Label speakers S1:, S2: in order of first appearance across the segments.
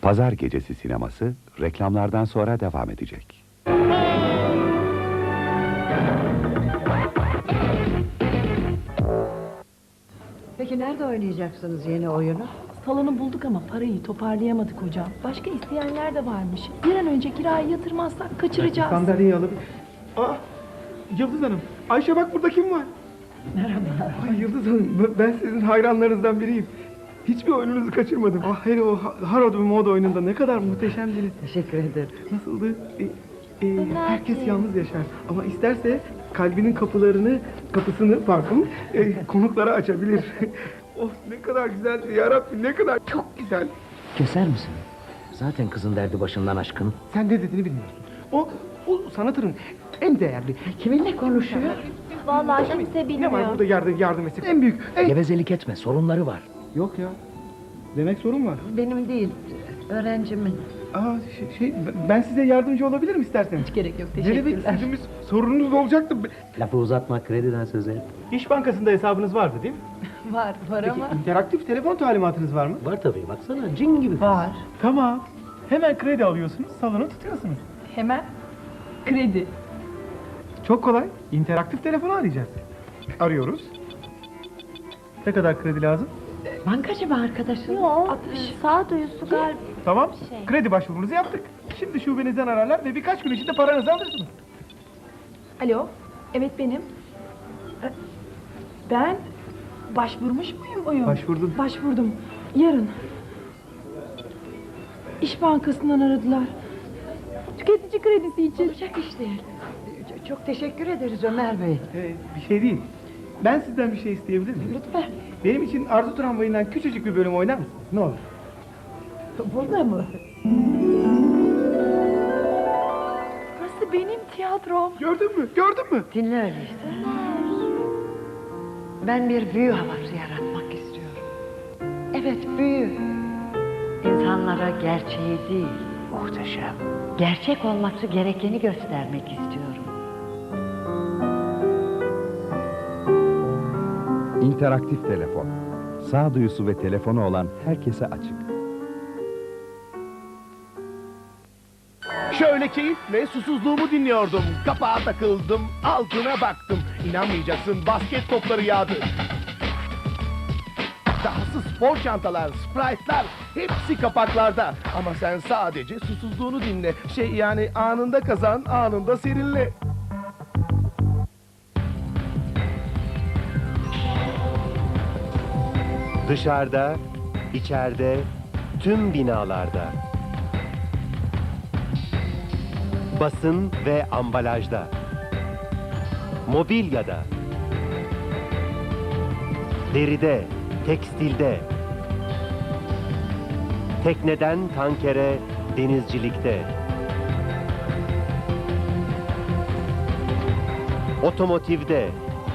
S1: Pazar Gecesi sineması reklamlardan sonra devam edecek.
S2: Peki nerede oynayacaksınız yeni oyunu?
S3: Salonu bulduk ama parayı toparlayamadık hocam. Başka isteyenler de varmış. Bir an önce kirayı yatırmazsak kaçıracağız.
S4: Sandalyeyi alabilir. Aa, Yıldız Hanım. Ayşe bak burada kim var?
S2: Merhaba.
S4: Ay Yıldız Hanım, ben sizin hayranlarınızdan biriyim. Hiçbir oyununuzu kaçırmadım. Ah hele o Harod ve Mod oyununda ne kadar muhteşemdiniz.
S2: Teşekkür ederim.
S4: Nasıldı? Herkes yalnız yaşar. Ama isterse kalbinin kapısını konuklara açabilir. Of ne kadar güzeldi ya Rabbi, ne kadar çok güzel.
S5: Keser misin? Zaten kızın derdi başından aşkın.
S4: Sen ne dediğini bilmiyorsun. O sanatının en değerli.
S2: Kiminle konuşuyor?
S3: Vallahi kimse
S4: Ne var
S3: bilmiyor.
S4: burada yardım etsin? En büyük.
S5: Gevezelik etme, sorunları var.
S4: Yok ya. Demek sorun var.
S2: Benim değil, öğrencimin.
S4: Aa, ben size yardımcı olabilirim isterseniz.
S3: Hiç gerek yok,
S4: Ne demek
S3: teşekkürler.
S4: sizimiz sorununuz olacaktı.
S5: Lafı uzatma, krediden söz et.
S4: İş Bankası'nda hesabınız vardı değil mi?
S3: Var ama.
S4: interaktif telefon talimatınız var mı?
S5: Var tabii, baksana cin gibi.
S3: Var.
S4: Tamam. Hemen kredi alıyorsunuz, salonu tutuyorsunuz.
S3: Hemen kredi.
S4: Çok kolay. İnteraktif telefonu arayacağız. Arıyoruz. Ne kadar kredi lazım?
S2: Bankacı mı arkadaşın?
S3: Yok, sağduyusu galiba.
S4: Tamam.
S3: Şey.
S4: Kredi başvurunuzu yaptık. Şimdi şubenizden ararlar ve birkaç gün içinde paranızı alırsınız.
S3: Alo, evet benim. Ben başvurmuş muyum?
S4: Başvurdun.
S3: Başvurdum. Yarın. İş Bankası'ndan aradılar. Tüketici kredisi için.
S2: Olacak iş değil. Çok teşekkür ederiz Ömer Bey.
S4: Bir şey değil. Ben sizden bir şey isteyebilir miyim?
S2: Lütfen.
S4: Benim için Arzu Tramvayı'ndan küçücük bir bölüm oynar mısınız? Ne olur.
S2: Burada mı?
S3: Burası benim tiyatrom.
S4: Gördün mü? Gördün mü?
S2: Dinle öyleyse. Ben bir büyü havası yaratmak istiyorum. Evet, büyü. İnsanlara gerçeği değil,
S5: Muhteşem.
S2: gerçek olması gerekeni göstermek istiyorum.
S1: İnteraktif telefon. Sağduyusu ve telefonu olan herkese açık.
S6: Şöyle keyifle susuzluğumu dinliyordum. Kapağa takıldım, altına baktım. İnanmayacaksın, basket topları yağdı. Dahası spor çantalar, sprite'lar hepsi kapaklarda. Ama sen sadece susuzluğunu dinle. Yani anında kazan, anında serinle.
S7: Dışarıda, içeride, tüm binalarda. Basın ve ambalajda. Mobilyada. Deride, tekstilde. Tekneden tankere, denizcilikte. Otomotivde.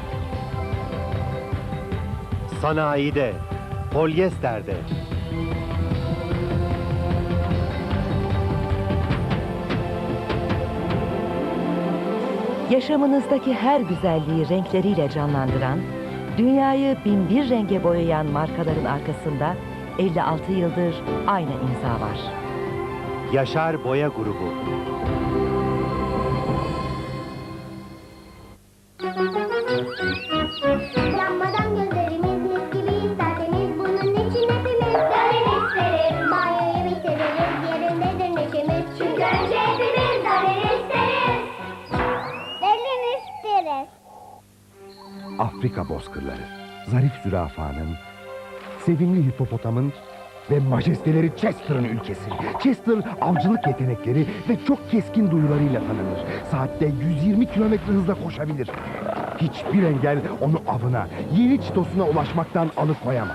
S7: Sanayide, polyesterde.
S8: Yaşamınızdaki her güzelliği renkleriyle canlandıran, dünyayı binbir renge boyayan markaların arkasında 56 yıldır aynı imza var.
S7: Yaşar Boya Grubu.
S9: Yanmadan gözlerimiz mis gibi isterseniz bunun için hepimiz Darren isteriz. Banyoyu bitiririz, yerindedir neşemiz. Çünkü önce hepimiz Darren isteriz. Darren isteriz.
S1: Afrika bozkırları, zarif zürafanın, sevimli hipopotamın ve majesteleri Chester'ın ülkesi. Chester avcılık yetenekleri ve çok keskin duyularıyla tanınır. Saatte 120 kilometre hızla koşabilir. Hiçbir engel onu avına, yeni çitosuna ulaşmaktan alıkoyamaz.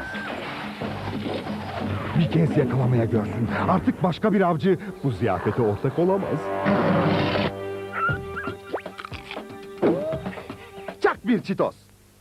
S1: Bir kez yakalamaya görsün. Artık başka bir avcı bu ziyafete ortak olamaz. Çak bir çitos.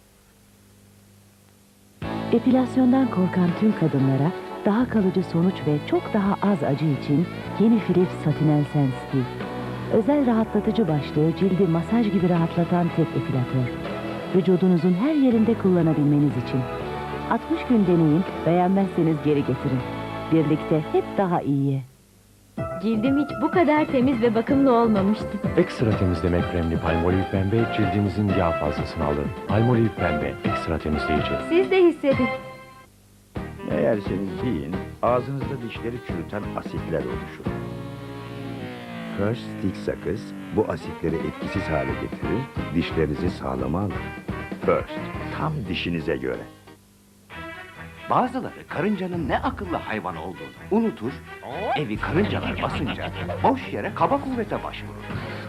S8: Epilasyondan korkan tüm kadınlara daha kalıcı sonuç ve çok daha az acı için yeni Filif Satinel Sensitive. Özel rahatlatıcı başlığı cildi masaj gibi rahatlatan tek epilatör. Vücudunuzun her yerinde kullanabilmeniz için. 60 gün deneyin, beğenmezseniz geri getirin. birlikte hep daha iyiye.
S10: Cildim hiç bu kadar temiz ve bakımlı olmamıştı.
S11: Ekstra temizleme kremli Palmolive pembe cildinizin yağ fazlasını alır. Palmolive pembe ekstra temizleyici.
S10: Siz de hissedin.
S12: Meğerseniz yiyin, ağzınızda dişleri çürüten asitler oluşur. First Stick sakız, bu asitleri etkisiz hale getirir, dişlerinizi sağlama alır. First, tam dişinize göre.
S5: Bazıları karıncanın ne akıllı hayvan olduğunu unutur, evi karıncalar basınca boş yere kaba kuvvete başvurur.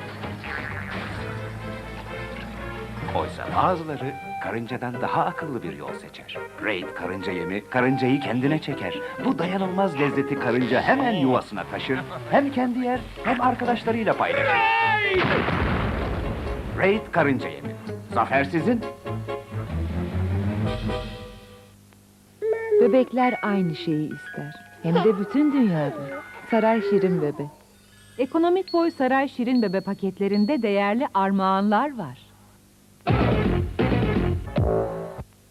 S5: Oysa bazıları karıncadan daha akıllı bir yol seçer. Raid karınca yemi karıncayı kendine çeker. Bu dayanılmaz lezzeti karınca hemen yuvasına taşır. Hem kendi yer hem arkadaşlarıyla paylaşır. Raid karınca yemi. Zafer sizin.
S2: Bebekler aynı şeyi ister. Hem de bütün dünyada. Saray Şirin Bebe. Ekonomik boy Saray Şirin Bebe paketlerinde değerli armağanlar var.